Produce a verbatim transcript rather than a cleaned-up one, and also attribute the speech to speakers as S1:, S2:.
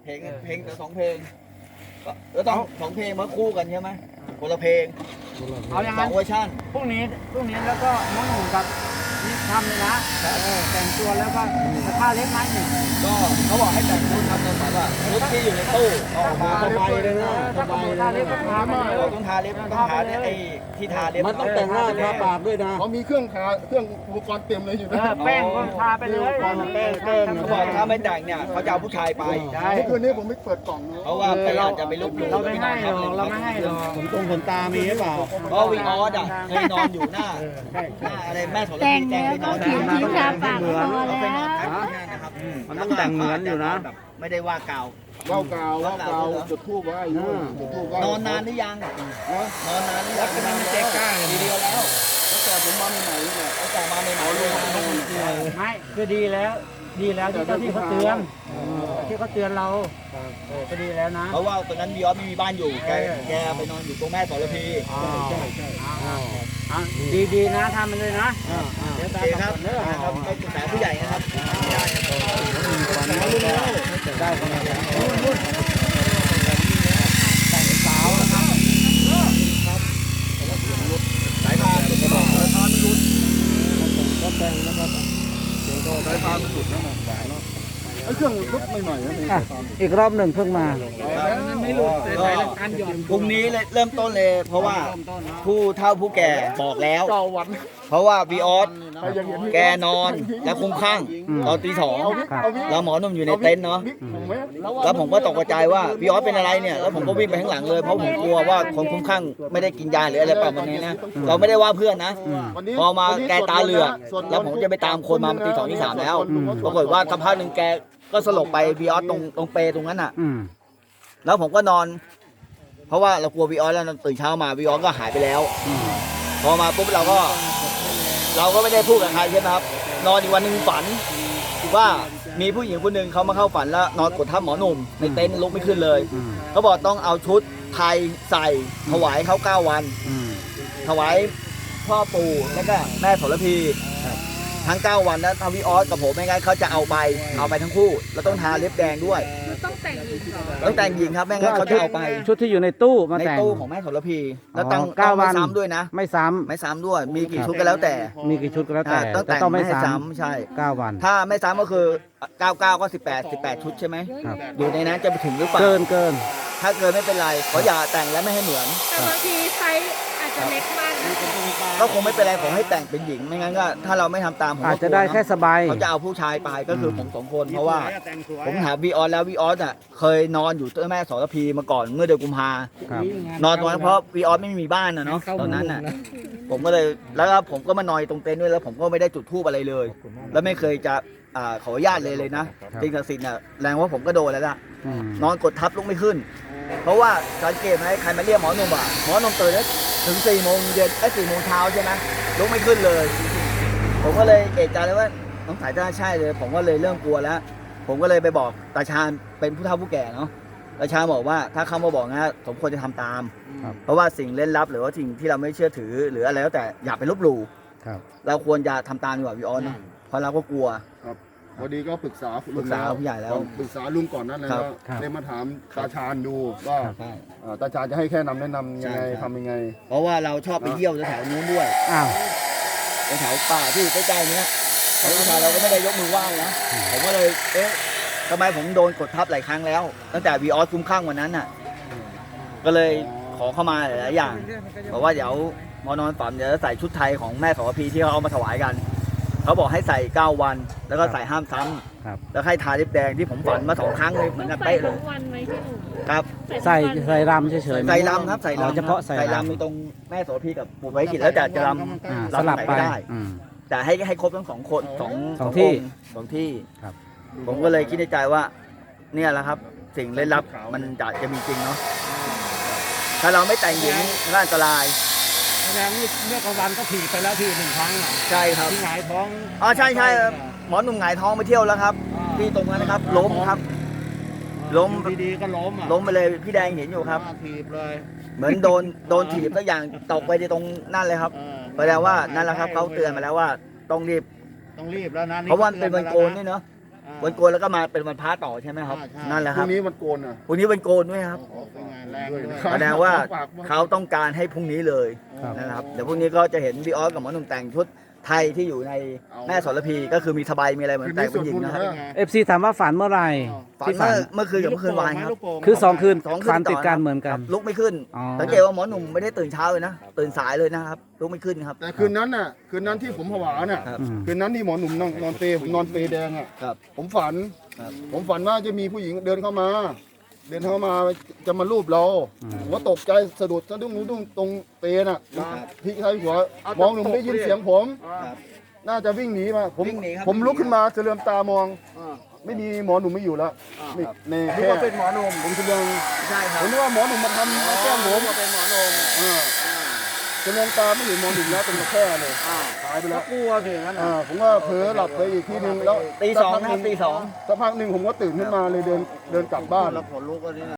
S1: เพลงเพลงแต่สองเพลงก็แล้วต้องสองเพลงมาคู่กันใช่ไหมคนละเพลง
S2: เอาอย่าง
S1: สอ
S2: นั้น
S1: งเวอร์ชัน
S2: พรุ่งนี้พรุ่งนี้แล้วก็น้องหนุ่มกับนี่ทำเลยนะเออแต่งตัวแล้วก็จะผ้าเล็บไม้หนึ่ง
S1: ก็เขาบอกให้แต่งชุดทำตอนแบบว่าชุดที่อยู่ในตู้ออกมา
S3: สบายเลยนะส
S2: ถ้าข
S3: บา
S2: โม
S3: ย
S2: ย
S3: เล
S2: ผ้าย เล็บก็ทามาเลย
S1: เราต้องทาเล็บต้องทาเนี่ยไอ้ที่ทาเล็บ
S3: มันต้องแต่งหน้าทาปากด้วยนะ
S4: เขามีเครื่องทาเครื่องอุปกรณ์เต็มเลยอยู่
S2: เอ
S4: นะ
S2: อแป้งก็ทาไปเลย
S3: แป้งแป้งแป้ง
S1: เขาบอกถ้าไม่แต่งเนี่ยเขาจะเอาผู้ชายไป
S2: ใช่
S4: เมื่อคืนนี้ผมไม่เปิดกล่องนะ
S1: เพราะว่าไปอาจจะไปลุกหลู่
S2: เราไม่ให้หรอกเราไม่ให้หรอก
S3: ขนตรงขนตามีหรือเปล่า
S1: เพราะวีออสอ่ะเคยนอนอยู่หน้า
S2: ใช่
S1: หน้าอะไรแม่สอน
S5: แต่ง
S1: แจ้
S5: แล้ว
S1: ไปน
S5: ก็
S1: อน
S5: ขีดทิ้งทาปากพอ
S1: เราไปนอน
S5: แล้ว
S1: พักที่นั่นนะครับ
S3: มันต้องแต่งเหมือนอยู่นะ
S1: แบบไม่ได้ว่ากล่าว
S4: ว่าวกาวว่าวกาวจุดทูบไว้อยู่จุดทูบไว้
S1: นอนนานหรือยังนอนนานหรือยัง
S2: แล้วก็มันเจ๊กล้า
S1: ทีเดียวแล้ว
S4: ตั้งแต่ผมมาใหม่ๆเนี่ย
S1: ตั้งแต่มาใหม่ๆเลย
S2: ไม่คือดีแล้วดีแล้วที่เจ้าที่เขาเตือนที่เขาเตือนเราเออก็ดีแล้วนะ
S1: เพราะว่าตอนนั้นวีออสไม่มีบ้านอยู่แกแกไปนอนอยู่ตรงแม่สรพี
S2: ใช่ใช่ดีดีๆนะทำมันเลยนะเดี๋ยว
S1: โอ
S2: ตา
S1: เค
S2: ม
S1: ครับ
S2: เด้อ
S1: นะครับไปปรึกษาผู้ใหญ่นะครับ
S3: ได้ขนาดนั้น
S1: สายพานสายพานมันรุน
S3: ก็แต่งแล้วก็
S4: สายพานมันสุดนะหวานเนาะไอ้เครื่องลุกใหม่ๆนะนี่
S3: อ่ะอีกรอบหนึ่งเพิ่งมา
S2: ไม่หลุดแต่ใส่หลักการหย่อน
S1: พรุ่งนี้เลยเริ่มต้นเลย เพราะว่าผู้เฒ่าผู้แก่บอกแล้ว
S4: เก้าวัน
S1: เพราะว่าวีออส
S4: ใครยังเห็น
S1: แกนอนและคุ้มข้างตอนตีสอง
S3: ครับ
S1: แล้วหมอหนุ่มอยู่ในเต็นท์เนาะ
S4: ผมไหม
S1: แล้วผมก็ตกใจว่าพี่ออสเป็นอะไรเนี่ย แล้วผมก็วิ่งไปข้างหลังเลย เพราะผมกลัวว่าคนคุ้มข้างไม่ได้กินยาหรืออะไรประมาณนี้นะ เราไม่ได้ว่าเพื่อนนะ
S4: วันนี้
S1: พอมาแกตาเหลือกแล้วผมจะไปตามคนมาตีสองที่สามแล้ว ปรากฏว่าสักพักหนึ่งแกก็สลบไปพี่ออสตรงตรงเปรตรงนั้นอ่ะ
S3: อืม
S1: แล้วผมก็นอน เพราะว่าเรากลัวพี่ออสแล้วตื่นเช้ามาพี่ออสก็หายไปแล้ว พอมาปุ๊บเราก็ เราก็ไม่ได้พูดกับใครใช่ไหมครับ นอนอีกวันหนึ่งฝันว่ามีผู้หญิงคนหนึ่งเขามาเข้าฝันแล้วนอนกดทับหมอหนุ่มในเต็นท์ลุกไม่ขึ้นเลย
S3: อืม
S1: เขาบอกต้องเอาชุดไทยใส่ถวายเขาเก้าวัน
S3: อืม
S1: ถวายพ่อปู่แล้วก็แม่โสระพีทั้งเก้าวันแล้วทาวิออสกับผมไม่งั้นเขาจะเอาไปเอาไปทั้งคู่แล้วต้องทาเล็บแดงด้วย
S5: ต้องแต่งหญิงเหรอ
S1: ต้องแต่งหญิงครับไม่งั้นเขาจะเอาไป
S3: ชุดที่อยู่ในตู้มา
S1: ใน
S3: แต่ง
S1: ตู้ของแม่โสระพีแล้วต้อง
S3: อ๋อเก้า
S1: ต้องไม่
S3: วัน
S1: ซ้ำด้วยนะ
S3: ไม่ซ้
S1: ไม่ซ้ำด้วยมีกี่ชุดก็แล้วแต่
S3: ำมีกี่ชุดก็แล้วแต่
S1: อ่าต้อง
S3: แต่
S1: แต่ง
S3: ต้องไม่
S1: ไม่ให้
S3: ซ้
S1: ซ้ำใช่
S3: ำเก้าวัน
S1: ถ้าไม่ซ้ำก็คือเก้าเก้าก็สิบแปด สิบแปดชุดใช่ไหม
S3: ครับ
S1: อยู่ในนั้นจะไปถึงหรือเปล่า
S3: เกินเกิน
S1: ถ้าเกินไม่เป็นไรขออย่าแต่งและไม่ให้เหมือน
S5: แต่บางทีไซส์อาจจะเล็กมากนะ
S1: ก็คงไม่เป็นไรขอให้แต่งเป็นหญิงไม่งั้นก็ถ้าเราไม่ทำตามผมก็
S3: อาจจะได้
S1: กลัวเน
S3: แค่สบาย
S1: เขาจะเอาผู้ชายไปก็คือผมสองคนเพราะว่า
S2: แต่งสวย
S1: ผมถามวีออสแล้ววีออสอ่ะเคยนอนอยู่ตัวแม่สรพีมาก่อนเมื่อเดือนกุมภา
S3: ครับ
S1: นอนตรงนั้นเพราะวีออสไม่มีบ้านนะเนาะตอนนั้นน่ะผมก็เลยแล้วก็ผมก็มานอนตรงเต็นท์ด้วยแล้วผมก็ไม่ได้จุดธูปอะไรเลย แล้วไม่เคยจะอ่าขออนุญาตเลยเลยนะจริงศักดิ์สิทธิ์น่ะแรงว่าผมก็โดนแล้วล่ะ
S3: อืม
S1: นอนกดทับลุกไม่ขึ้น เพราะว่าสังเกตไหมใครมาเรียกหมอหนุ่มอ่ะหมอหนุ่มตื่นแล้วถึงสี่โมงเย็นไอ้สี่โมงเช้าใช่ไหมลุกไม่ขึ้นเลย ผมก็เลยเอะใจเลยว่าน้องสายจะใช่เลย ผมก็เลยเริ่มกลัวแล้ว ผมก็เลยไปบอกตาชาญเป็นผู้เฒ่าผู้แก่เนาะตาชาญบอกว่าถ้าเขามาบอกนะสมควรจะทำตาม
S3: ครับ
S1: เพราะว่าสิ่งเล่นลับหรือว่าสิ่งที่เราไม่เชื่อถือหรืออะไรแล้วแต่อย่าไปลบหลู่
S3: ครับ
S1: เราควรจะทำตามดีกว่าพี่ออนเนอะเพราะเราก็กลัว
S4: พอดีก็ปรึกษา
S1: ปรึกษาผู้ใหญ่แล้ว
S4: ปรึกษาลุงก่อนนั่นเลย
S1: ครับ
S4: ว่า
S3: ครับ
S4: ได้มาถามตาชาญดูว่า
S1: ใช่
S4: อ่าตาชาญจะให้แค่นำแนะนำยังไง
S1: ใช่ครับ
S4: ทำยังไง
S1: เพราะว่าเราชอบไปเยี่ยวแถวๆนู้นด้วย
S3: อ้าว
S1: แถวป่าที่ใกล้ๆเนี้ยแล้วผู้ชายเราก็ไม่ได้ยกมือไหว้นะผมก็เลยเอ๊ะทำไมผมโดนกดทับหลายครั้งแล้ว ตั้งแต่วีออสคุ้มข้างวันนั้นน่ะ ก็เลยขอเข้ามาหลายๆอย่างบอกว่าเดี๋ยวหมอนอนฝันเดี๋ยวจะใส่ชุดไทยของแม่สรพีที่เขาเอามาถวายกัน เขาบอกให้ใส่เก้าวัน แล้วก็ใส่ห้ามซ้ำ
S3: ครับ
S1: แล้วให้ทาลิปแดงที่ผมฝันมาสองครั้งเลยเหมือนกัน
S5: ใส่
S1: เป๊ะเล
S5: ทุ
S1: ย
S5: กวันไหมพี่หนุ่ม
S1: ครับ
S3: ใส่
S5: ทุกวัน
S3: ใส่รำเฉยๆไหม
S1: ใส่ลำครับใส่
S3: อ๋อ
S1: ลำ
S3: เฉพาะใส่
S1: ใส่
S3: รำ
S1: ลำมีตรงแม่โสระพีกับปู่ไว้ขิดแล้วแต่จะล
S3: อ่า
S1: ำ
S3: สลับไป
S1: ลำไหนก็ได้
S3: อืม
S1: แต่ให้ให้ครบทั้งสองคนสอง
S3: สองที่
S1: ค์สองที่
S3: ครับ
S1: ผมก็เลยคิดในใจว่า เนี่ยแหละครับ สิ่งเล่นลับมันจะจะมีจริงเนาะถ้าเราไม่แต่งหญิงก็อันตราย
S2: แสดงว่าเมื่อกลางวันก็ถีบไปแล้วทีหนึ่งครั้งอ่ะ
S1: ใช่ครับ
S2: ที่หงายท้อง
S1: อ๋อใช่ใช่หมอหนุ่มหงายท้องไปเที่ยวแล้วครับที่ตรงนั้นนะครับ ล้มครับ ล้ม
S2: ดีๆก็ล้มอ่ะ
S1: ล้มไปเลยพี่แดงเห็นอยู่ครับ
S2: ถีบเลย
S1: เหมือนโดนโดนถีบสักอย่างตกไปในตรงนั่นเลยครับ
S2: เออ
S1: แสดงว่านั่นแหละครับเขาเตือนมาแล้วว่าต้องรีบ
S2: ต้องรีบแล้วนะ
S1: เพราะว่ามันเป็นวันโกนด้วยเนาะ
S2: อ
S1: วันโกนแล้วก็มาเป็นวันพระต่อใช่ไหมครับ นั่นแหละ
S4: พ
S1: ครั
S4: รุ่
S1: บ
S4: งนี้มันโกนอ่ะ
S1: พรุ่งนี้วันโกนด้วยครับ
S4: เป็นงานแรงด้วยนะ
S1: แสดงว่าเขาต้องการให้พรุ่งนี้เลย
S3: ครับ
S1: นะครับเดี๋ยวพรุ่งนี้ก็จะเห็นพี่ออสกับหมอหนุ่มแต่งชุดไทยที่อยู่ในแม่สรพีก็คือมีสบายมีอะไรเหมือนแต่งเป็นหญิงนะครับ
S3: เอฟซีถามว่าฝันเมื่อไหร่
S1: ฝัน
S3: ที่ฝั
S1: เมื่อน เมื่อคืนกับเมื่อคืนวานครับ
S3: คือสองคืน
S1: สองคืน
S3: ฝันติดกัน
S1: ต่อนะ
S3: เหมือนกัน
S1: ครับลุกไม่ขึ้น
S3: อ๋อ
S1: สังเกตว่าหมอหนุ่มไม่ได้ตื่นเช้าเลยนะตื่นสายเลยนะครับลุกไม่ขึ้นครับ
S4: แต่คืนนั้นน่ะคืนนั้นที่ผมผวาน่ะ
S1: ครับ
S3: อืม
S4: คืนนั้นที่หมอหนุ่มนอนนอนเปรย์ผมนอนเปรย์แดงอ่ะ
S1: ครับ
S4: ผมฝัน
S1: ครับ
S4: ผมฝันว่าจะมีผู้หญิงเดินเข้ามา เดินเข้ามาจะมาลูบเรา
S3: อืม
S4: ผมก็ตกใจสะดุดสะดุ้งดุ้งตรงเปรย์น่ะพลิกท้ายหัวมองหนุ่มได้ยินเสียงผม
S1: ครับ
S4: น่าจะวิ่งหนีมาผม
S1: วิ่งหนีครับ
S4: ผมลุกขึ้นมาเฉลือมตามอง ไม่มีหมอหนุ่มไม่อยู่แล้วนี่ใน
S1: คิด
S4: แค่
S1: ว่าเป็นหมอหนุ่ม
S4: ผมเฉลือม
S1: ใช่ค
S4: ผ
S1: รับ
S4: มนึกว่าหมอหนุ่มมาทำมาแกล้งผม
S1: เป็นหมอหนุ่ม
S4: เออเฉลือมตาไม่เห็นหมอหนุ่มแล้วเป็นมาแค่เลยหายไปแล้ว
S2: กลัวสิงั้น
S4: เออผมก็เผลอหลับไปอีกทีนึงแล้ว
S1: ตีสอง
S4: สัก
S1: นะ
S4: พักห
S1: ตีสอง
S4: สักพักหนึ่งผมก็ตื่นขึ้นมาเลยเดินเดินกลับบ้าน
S1: แล้วขนลุกก็นี่